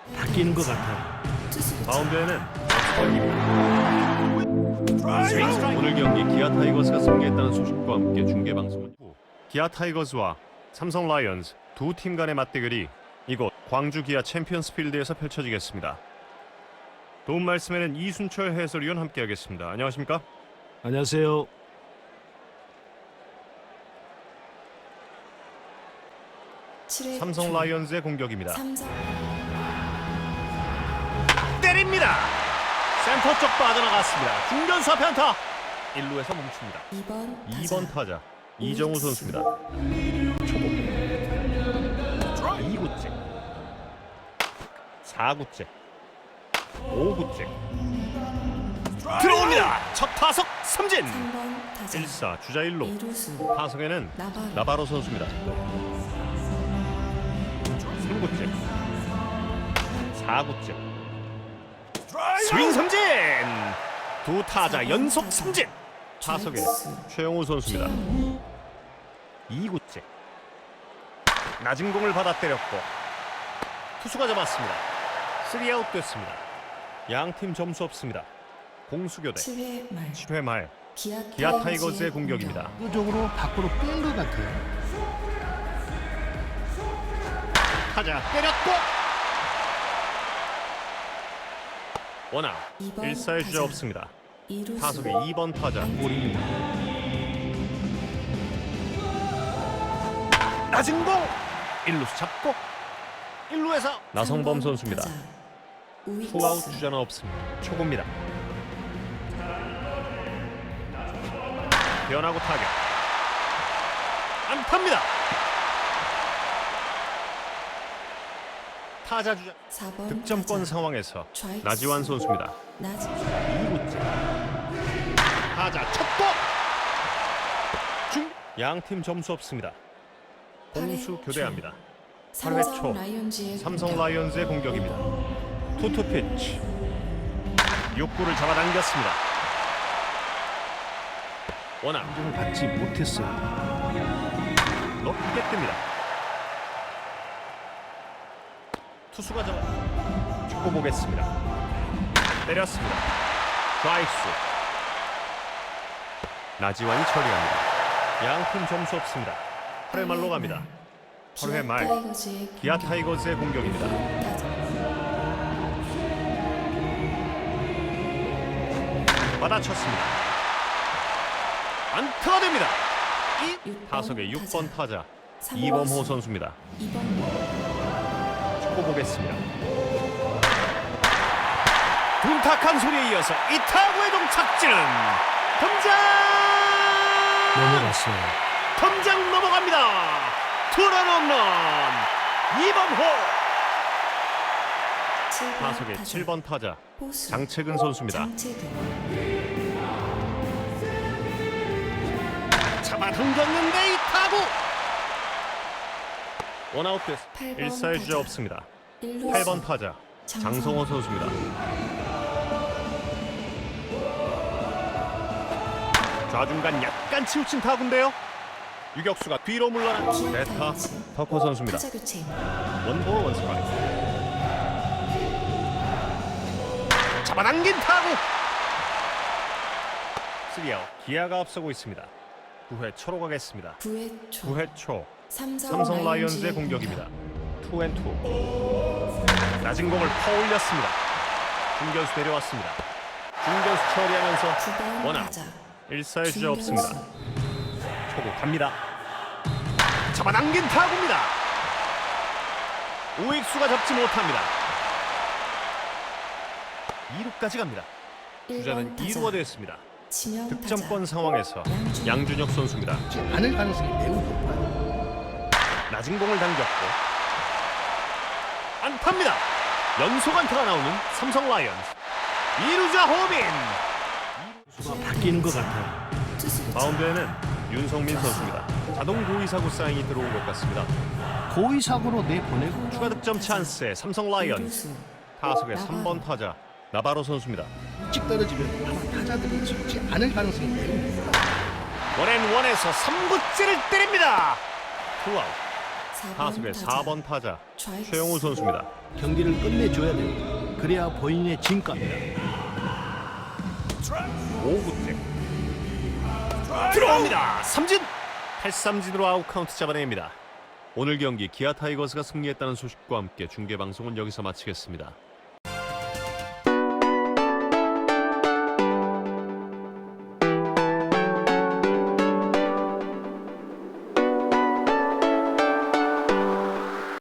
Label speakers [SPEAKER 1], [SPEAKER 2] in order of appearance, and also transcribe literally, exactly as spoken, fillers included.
[SPEAKER 1] 바뀌는 것 같아요.
[SPEAKER 2] 마운드에는 스윙. 오늘 경기 기아 타이거스가 승리했다는 소식과 함께 중계 방송은 기아 타이거스와 삼성 라이온즈 두 팀 간의 맞대결이 이곳 광주 기아 챔피언스 필드에서 펼쳐지겠습니다. 도움 말씀에는 이순철 해설위원 함께하겠습니다. 안녕하십니까?
[SPEAKER 1] 안녕하세요.
[SPEAKER 2] 삼성 라이온즈의 공격입니다.
[SPEAKER 3] 삼성...
[SPEAKER 2] 때립니다. 센터 쪽 빠져나갔습니다. 중견수 앞에 안타. 일 루에서 멈춥니다.
[SPEAKER 3] 이 번
[SPEAKER 2] 이 번 타자 이정우 선수입니다. 초보 이 구째 사 구째 오 구째 들어옵니다. 첫 타석 삼진.
[SPEAKER 3] 삼 번 타자
[SPEAKER 2] 일 사 주자 일 루.
[SPEAKER 3] 이루수
[SPEAKER 2] 타석에는
[SPEAKER 3] 나바로,
[SPEAKER 2] 나바로 선수입니다. 삼 구째 사 구째 스윙 삼진. 두 타자 연속 삼진. 타석에 최영우 선수입니다. 이 구째 낮은 공을 받아 때렸고 투수가 잡았습니다. 삼 아웃 됐습니다. 양팀 점수 없습니다. 공수교대
[SPEAKER 3] 칠 회 말
[SPEAKER 2] 칠 회 말
[SPEAKER 3] 기아,
[SPEAKER 2] 기아 타이거즈의 공격입니다.
[SPEAKER 1] 의도적으로 밖으로 뺀 것 같아요.
[SPEAKER 2] 타자 때렸고 원아웃.
[SPEAKER 3] 이 번
[SPEAKER 2] 일 사의 주자
[SPEAKER 3] 타자.
[SPEAKER 2] 없습니다.
[SPEAKER 3] 이루수
[SPEAKER 2] 타석에 이 번 타자 볼입니다. 낮은 공 일 루수 잡고 일 루에서 나성범 선수입니다. 투아웃 주자는 없습니다. 초구입니다. 변하고 타격 안타입니다. 타자 주자
[SPEAKER 3] 사 번
[SPEAKER 2] 득점권
[SPEAKER 3] 타자.
[SPEAKER 2] 상황에서
[SPEAKER 3] 좌익수.
[SPEAKER 2] 나지완 선수입니다.
[SPEAKER 3] 나지
[SPEAKER 2] 이 구째 타자 쳤고 중 양팀 점수 없습니다. 공수 교대합니다. 팔 회 초
[SPEAKER 3] 삼성 라이온즈의
[SPEAKER 2] 삼성
[SPEAKER 3] 공격.
[SPEAKER 2] 라이온즈의 공격입니다. 투투 피치 육 구를 잡아당겼습니다. 원아웃.
[SPEAKER 1] 공을 받지 못했어요.
[SPEAKER 2] 높게 뜹니다. 투수가 잡아 축구 보겠습니다. 때렸습니다. 좌익수 나지완이 처리합니다. 양팀 점수 없습니다. 팔 회 말로 갑니다. 팔 회 말
[SPEAKER 3] 타이거즈의
[SPEAKER 2] 기아
[SPEAKER 3] 공격.
[SPEAKER 2] 타이거즈의 공격입니다.
[SPEAKER 3] 타자.
[SPEAKER 2] 받아쳤습니다. 안타가 됩니다. 이
[SPEAKER 3] 육 번
[SPEAKER 2] 타석의 육 번 타자
[SPEAKER 3] 삼
[SPEAKER 2] 이범호
[SPEAKER 3] 루수.
[SPEAKER 2] 선수입니다.
[SPEAKER 3] 이 번
[SPEAKER 2] 축구 보겠습니다. 둔탁한 소리에 이어서 이 타구의 동착지는 덤장
[SPEAKER 1] 넘어갔어요.
[SPEAKER 2] 덤장 넘어갑니다. 투런 홈런 이범호.
[SPEAKER 3] 칠 번
[SPEAKER 2] 타석의
[SPEAKER 3] 타자.
[SPEAKER 2] 칠 번 타자
[SPEAKER 3] 호수.
[SPEAKER 2] 장채근 선수입니다.
[SPEAKER 3] 장채근
[SPEAKER 2] 잡아당겼는데 이 타구 원아웃 됐.
[SPEAKER 3] 팔 번
[SPEAKER 2] 일 사의 주자
[SPEAKER 3] 타자.
[SPEAKER 2] 없습니다.
[SPEAKER 3] 일루수.
[SPEAKER 2] 팔 번 타자
[SPEAKER 3] 장성호.
[SPEAKER 2] 장성호 선수입니다. 좌중간 약간 치우친 타구인데요. 유격수가 뒤로 물러난
[SPEAKER 3] 기아
[SPEAKER 2] 베타
[SPEAKER 3] 타이거즈.
[SPEAKER 2] 터커 선수입니다.
[SPEAKER 3] 타자 교체
[SPEAKER 2] 원볼 원스트라이크. 잡아당긴 타구. 쓰리 아웃. 기아가 앞서고 있습니다. 구 회 초로 가겠습니다.
[SPEAKER 3] 구 회 초
[SPEAKER 2] 구 회 초
[SPEAKER 3] 삼성,
[SPEAKER 2] 삼성 라이온즈의 공격입니다. 투 앤 투. 낮은 공을 퍼올렸습니다. 중견수 내려왔습니다. 중견수 처리하면서
[SPEAKER 3] 구 번
[SPEAKER 2] 원아웃.
[SPEAKER 3] 타자
[SPEAKER 2] 일 사의 주자
[SPEAKER 3] 중견수.
[SPEAKER 2] 없습니다. 초구 갑니다. 잡아당긴 타구입니다. 우익수가 잡지 못합니다. 이 루까지 갑니다. 주자는
[SPEAKER 3] 일 번
[SPEAKER 2] 이
[SPEAKER 3] 타자.
[SPEAKER 2] 루가 되었습니다.
[SPEAKER 3] 지명
[SPEAKER 2] 득점권
[SPEAKER 3] 타자.
[SPEAKER 2] 상황에서
[SPEAKER 3] 양준혁.
[SPEAKER 2] 양준혁 선수입니다.
[SPEAKER 1] 않을 가능성이 매우 높아요.
[SPEAKER 2] 낮은 공을 당겼고 안타입니다. 연속 안타가 나오는 삼성 라이온즈. 이 루자 호빈.
[SPEAKER 1] 수가 바뀌는 것 같아요.
[SPEAKER 3] 투수 교체.
[SPEAKER 2] 마운드에는 윤성민 선수입니다. 자동 고의사구 사인이 들어온 것 같습니다.
[SPEAKER 1] 고의 사고로 내보내고
[SPEAKER 2] 추가 득점 찬스에 삼성 라이온즈.
[SPEAKER 3] 이루수.
[SPEAKER 2] 타석의 삼 번 타자 나바로 선수입니다.
[SPEAKER 1] 일찍 떨어지면 아마 타자들이 찍지 않을 가능성이 매우 높아요.
[SPEAKER 2] 원앤원에서 삼 구째를 때립니다. 투아웃. 타석의 사 번 타자
[SPEAKER 3] 좌익수.
[SPEAKER 2] 최영우 선수입니다.
[SPEAKER 1] 경기를 끝내줘야 됩니다. 그래야 본인의 진가입니다.
[SPEAKER 2] 오 구째 들어옵니다. 삼진 팔삼진으로 아웃 카운트 잡아냅니다. 오늘 경기 기아 타이거스가 승리했다는 소식과 함께 중계 방송은 여기서 마치겠습니다.